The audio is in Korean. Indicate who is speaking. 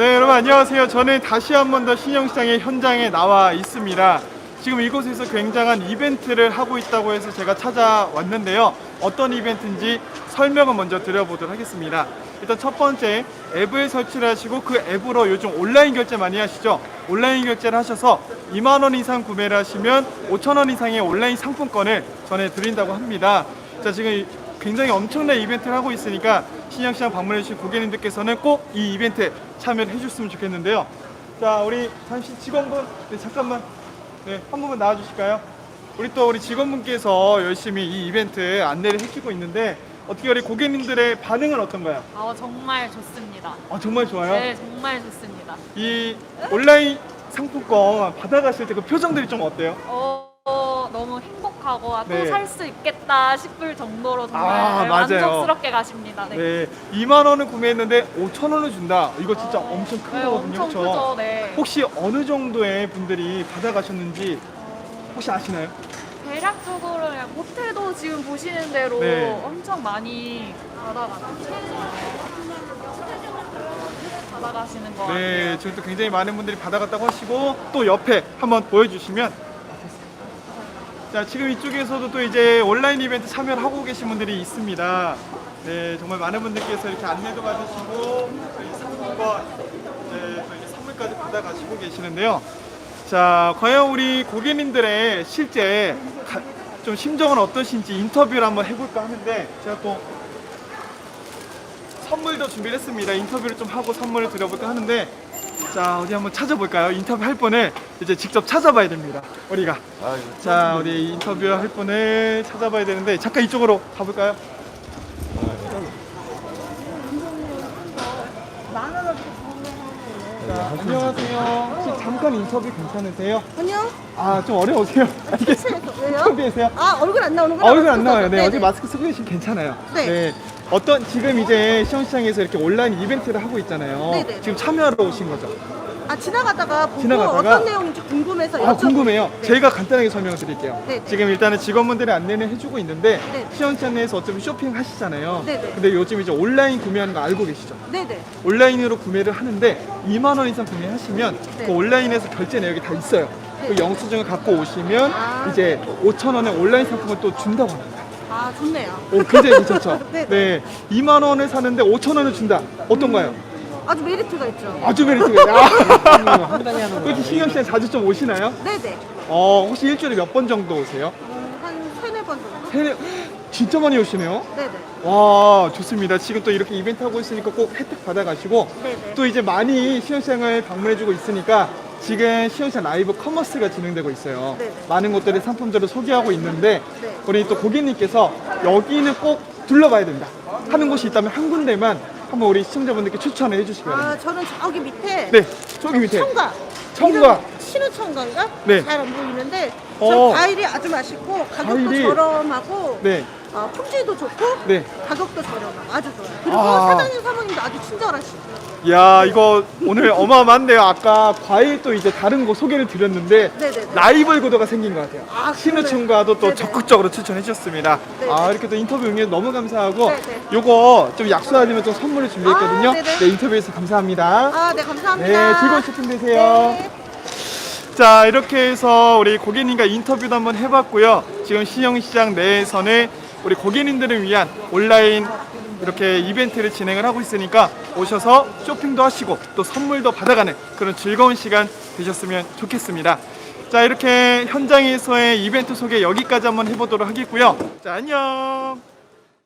Speaker 1: 네, 여러분 안녕하세요. 저는 다시 한 번 더 신영시장의 현장에 나와 있습니다. 지금 이곳에서 굉장한 이벤트를 하고 있다고 해서 제가 찾아왔는데요. 어떤 이벤트인지 설명을 먼저 드려보도록 하겠습니다. 일단 첫 번째, 앱을 설치를 하시고 그 앱으로 요즘 온라인 결제 많이 하시죠? 온라인 결제를 하셔서 2만 원 이상 구매를 하시면 5천 원 이상의 온라인 상품권을 전해드린다고 합니다. 자, 지금 굉장히 엄청난 이벤트를 하고 있으니까 신영시장 방문해주신 고객님들께서는 꼭 이 이벤트에 참여를 해줬으면 좋겠는데요. 자, 우리 잠시 직원분, 네, 잠깐만, 네, 한 분만 나와주실까요? 우리 직원분께서 열심히 이 이벤트 안내를 해주고 있는데 어떻게 우리 고객님들의 반응은 어떤가요?
Speaker 2: 정말 좋습니다.
Speaker 1: 정말 좋아요?
Speaker 2: 네, 정말 좋습니다.
Speaker 1: 이 온라인 상품권 받아가실 때 그 표정들이 좀 어때요?
Speaker 2: 너무 행복하고
Speaker 1: 네.
Speaker 2: 또 살 수 있겠다 싶을 정도로 정말
Speaker 1: 맞아요.
Speaker 2: 만족스럽게 가십니다. 네.
Speaker 1: 네, 2만 원을 구매했는데 5천 원을 준다. 이거 진짜 엄청 큰
Speaker 2: 네,
Speaker 1: 거거든요.
Speaker 2: 엄청
Speaker 1: 그쵸?
Speaker 2: 크죠. 네.
Speaker 1: 혹시 어느 정도의 분들이 받아가셨는지 혹시 아시나요?
Speaker 2: 대략적으로 그냥 호텔도 지금 보시는 대로
Speaker 1: 네.
Speaker 2: 엄청 많이 받아가시는 것
Speaker 1: 네,
Speaker 2: 같아요.
Speaker 1: 지금 또 굉장히 많은 분들이 받아갔다고 하시고 또 옆에 한번 보여주시면. 자, 지금 이쪽에서도 또 이제 온라인 이벤트 참여를 하고 계신 분들이 있습니다. 네, 정말 많은 분들께서 이렇게 안내도 받으시고 저희 상품권, 네, 또 이제 선물까지 받아가시고 계시는데요. 자, 과연 우리 고객님들의 실제 좀 심정은 어떠신지 인터뷰를 한번 해볼까 하는데 제가 또 선물도 준비를 했습니다. 인터뷰를 좀 하고 선물을 드려볼까 하는데, 자, 어디 한번 찾아볼까요? 인터뷰 할 분을 이제 직접 찾아봐야 됩니다. 우리가. 자, 우리 인터뷰 할 분을 찾아봐야 되는데 잠깐 이쪽으로 가볼까요? 자, 안녕하세요. 혹시 잠깐 인터뷰 괜찮으세요?
Speaker 3: 아니요.
Speaker 1: 좀 어려우세요? 이게
Speaker 3: 왜요?
Speaker 1: 인터뷰에세요?
Speaker 3: 얼굴 안 나오는구나.
Speaker 1: 얼굴 안 나와요. 네,
Speaker 3: 네네.
Speaker 1: 어제 마스크 쓰고 계시면 괜찮아요.
Speaker 3: 네.
Speaker 1: 어떤 지금 이제 시험시장에서 이렇게 온라인 이벤트를 하고 있잖아요.
Speaker 3: 네네.
Speaker 1: 지금 참여하러 오신 거죠?
Speaker 3: 지나가다가 보고
Speaker 1: 지나가다가?
Speaker 3: 어떤 내용인지 궁금해서
Speaker 1: 궁금해요.
Speaker 3: 네.
Speaker 1: 제가 간단하게 설명을 드릴게요.
Speaker 3: 네네.
Speaker 1: 지금 일단은 직원분들의 안내는 해주고 있는데
Speaker 3: 네.
Speaker 1: 시험시장 내에서 어차피 쇼핑 하시잖아요.
Speaker 3: 네네.
Speaker 1: 근데 요즘 이제 온라인 구매하는 거 알고 계시죠?
Speaker 3: 네네.
Speaker 1: 온라인으로 구매를 하는데 2만 원 이상 구매하시면
Speaker 3: 네.
Speaker 1: 그 온라인에서 결제 내역이 다 있어요.
Speaker 3: 네.
Speaker 1: 그 영수증을 갖고 오시면 이제 5천 원의 온라인 상품을 또 준다고 합니다.
Speaker 3: 좋네요.
Speaker 1: 굉장히 괜찮죠?
Speaker 3: 네네.
Speaker 1: 네, 2만 원을 사는데 5천 원을 준다. 어떤가요?
Speaker 3: 아주 메리트가 있죠.
Speaker 1: 아주 메리트가 그렇게 신경시장 자주 좀 오시나요?
Speaker 3: 네네.
Speaker 1: 혹시 일주일에 몇 번 정도 오세요?
Speaker 3: 한 3-4번 정도?
Speaker 1: 진짜 많이 오시네요.
Speaker 3: 네네.
Speaker 1: 와, 좋습니다. 지금 또 이렇게 이벤트 하고 있으니까 꼭 혜택 받아가시고
Speaker 3: 네네.
Speaker 1: 또 이제 많이 시험시장을 방문해주고 있으니까 지금 시험시장 라이브 커머스가 진행되고 있어요.
Speaker 3: 네네.
Speaker 1: 많은 곳들의 상품들을 소개하고 있는데
Speaker 3: 네.
Speaker 1: 우리 또 고객님께서 여기는 꼭 둘러봐야 된다 하는 곳이 있다면 한 군데만 한번 우리 시청자분들께 추천을 해주시기 바랍니다.
Speaker 3: 저는 저기 밑에
Speaker 1: 네, 저기 밑에
Speaker 3: 청과.
Speaker 1: 청과.
Speaker 3: 신우청과인가?
Speaker 1: 네.
Speaker 3: 잘 안 보이는데
Speaker 1: 어.
Speaker 3: 저 과일이 아주 맛있고 가격도
Speaker 1: 과일이.
Speaker 3: 저렴하고
Speaker 1: 네,
Speaker 3: 품질도 좋고
Speaker 1: 네.
Speaker 3: 가격도 저렴하고 아주 좋아요. 그리고 사장님 사모님도 아주 친절하시고.
Speaker 1: 야, 이거 오늘 어마어마한데요. 아까 과일 또 이제 다른 거 소개를 드렸는데
Speaker 3: 네네네.
Speaker 1: 라이벌 구도가 생긴 것 같아요. 신우청과도 또
Speaker 3: 네네.
Speaker 1: 적극적으로 추천해 주셨습니다.
Speaker 3: 네네.
Speaker 1: 이렇게 또 인터뷰 응해 너무 감사하고
Speaker 3: 네네.
Speaker 1: 요거 좀 약속하시면 좀 선물을 준비했거든요.
Speaker 3: 네네.
Speaker 1: 네, 인터뷰에서 감사합니다.
Speaker 3: 네, 감사합니다.
Speaker 1: 네, 즐거운 쇼핑 되세요.
Speaker 3: 네.
Speaker 1: 자, 이렇게 해서 우리 고객님과 인터뷰도 한번 해봤고요. 지금 신영시장 내에서는 우리 고객님들을 위한 온라인 이렇게 이벤트를 진행을 하고 있으니까 오셔서 쇼핑도 하시고 또 선물도 받아가는 그런 즐거운 시간 되셨으면 좋겠습니다. 자, 이렇게 현장에서의 이벤트 소개 여기까지 한번 해보도록 하겠고요. 자, 안녕.